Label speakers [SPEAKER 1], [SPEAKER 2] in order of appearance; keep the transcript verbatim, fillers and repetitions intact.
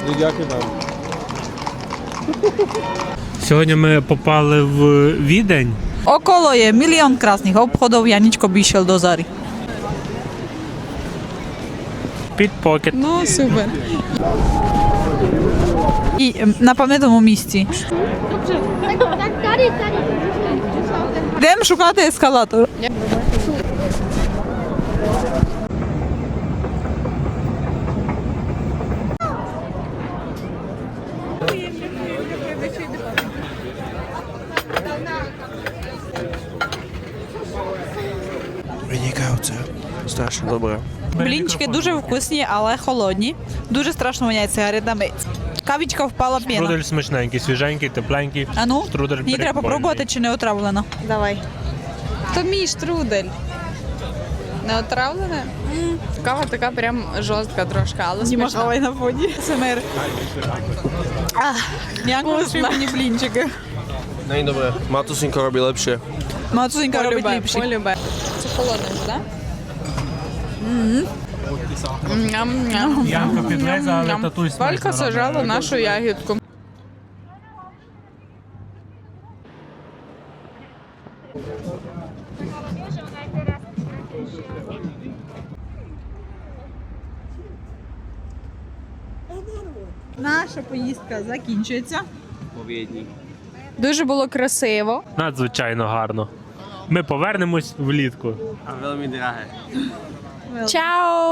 [SPEAKER 1] Дякую вам.
[SPEAKER 2] Сьогодні ми попали в Відень.
[SPEAKER 3] Okolo je milión krásnych obchodov, Janičko by išiel do Zary.
[SPEAKER 2] Підпокет.
[SPEAKER 3] No, super. I na pamätnom místi.
[SPEAKER 4] Tak tady, tady.
[SPEAKER 3] Idem šukať eskalátor.
[SPEAKER 1] Виникаються. Страшно добре.
[SPEAKER 3] Блінчики дуже вкусні, але холодні. Дуже страшно воняє сигаретами. Кавічка впала п'яна.
[SPEAKER 2] Штрудель смачненький, свіженький, тепленький.
[SPEAKER 3] А ну,
[SPEAKER 2] Штрудель
[SPEAKER 3] мені треба
[SPEAKER 2] прикольний.
[SPEAKER 3] попробувати, чи не отравлено.
[SPEAKER 5] Давай. То мій штрудель. Не отравлене? Кава така прям жорстка трошки, але смачна.
[SPEAKER 3] на фоні. СМР. Як лише мені блінчики.
[SPEAKER 1] Není dobré. Matúsinko robí lepšie.
[SPEAKER 3] Мацунька робить
[SPEAKER 5] Полюбе,
[SPEAKER 3] ліпші.
[SPEAKER 5] полюбе. Це холодне ж, так? Ням-ням.
[SPEAKER 2] Янка підлезе, але
[SPEAKER 5] Ням.
[SPEAKER 2] татусь смачно
[SPEAKER 5] Валька
[SPEAKER 2] робить.
[SPEAKER 5] сажала нашу ягідку.
[SPEAKER 3] Наша поїздка закінчується.
[SPEAKER 5] Дуже було красиво.
[SPEAKER 2] Надзвичайно гарно. Ми повернемось влітку.
[SPEAKER 1] A veľmi drahé.
[SPEAKER 5] Чао!